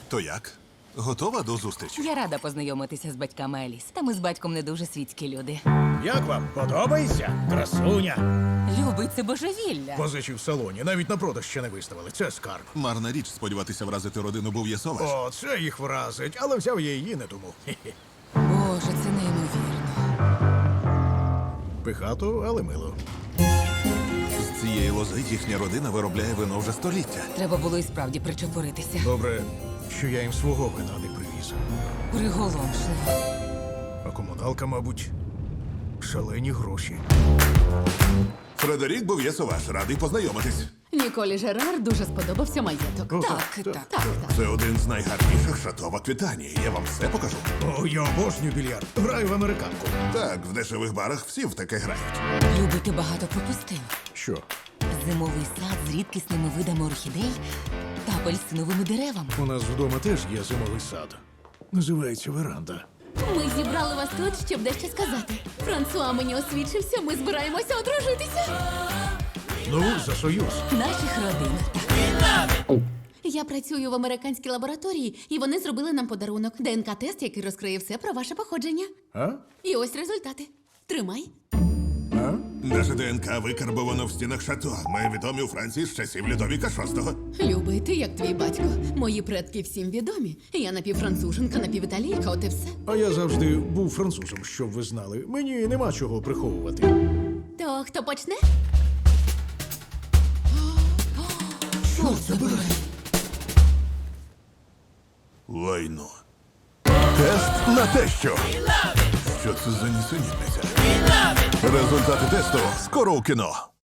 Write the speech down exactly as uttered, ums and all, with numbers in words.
То як? Готова до зустрічі? Я рада познайомитися з батьками Еліс. Та ми з батьком не дуже світські люди. Як вам? Подобається? Красуня. Любить це божевілля. Позичі в салоні, навіть на продаж ще не виставили. Це скарб. Марна річ сподіватися вразити родину Бов'єсоваш. О, це їх вразить, але взяв я її не тому. Хе-хе. Боже, це неймовірно. Пихато, але мило. З цієї лози їхня родина виробляє вино вже століття. Треба було і справді причепуритися. Добре, що я їм свого вина не привіз. Приголомшливо. А комуналка, мабуть, шалені гроші. Фредерік Бов'єсоваш, радий познайомитись. Ніколі Жерар дуже сподобався маєток. О, Так, так, так. Так, так. Це один з найгарніших шато в Аквітанії. Я вам все покажу. О, я обожнюю більярд. Граю в американку. Так, в дешевих барах всі в таке грають. Любити багато пропустив. Що? Зимовий сад з рідкісними видами орхідей та апельсиновими деревами. У нас вдома теж є зимовий сад. Називається веранда. Ми зібрали вас тут, щоб дещо сказати. Франсуа мені освідчився, ми збираємося одружитися. Ну, за союз. Наших родин. Я працюю в американській лабораторії, і вони зробили нам подарунок. ДНК-тест, який розкриє все про ваше походження. А? І ось результати. Тримай. А? Наше ДНК викарбовано в стінах шато. Ми відомі у Франції з часів Людовіка шостого. Любий, ти як твій батько. Мої предки всім відомі. Я напівфранцуженка, напівіталійка, от і все. А я завжди був французом, щоб ви знали. Мені нема чого приховувати. То хто почне? Що це буде? Лайно. Тест на те, що. Що це за нісенітниця? Результати тесту скоро у кіно.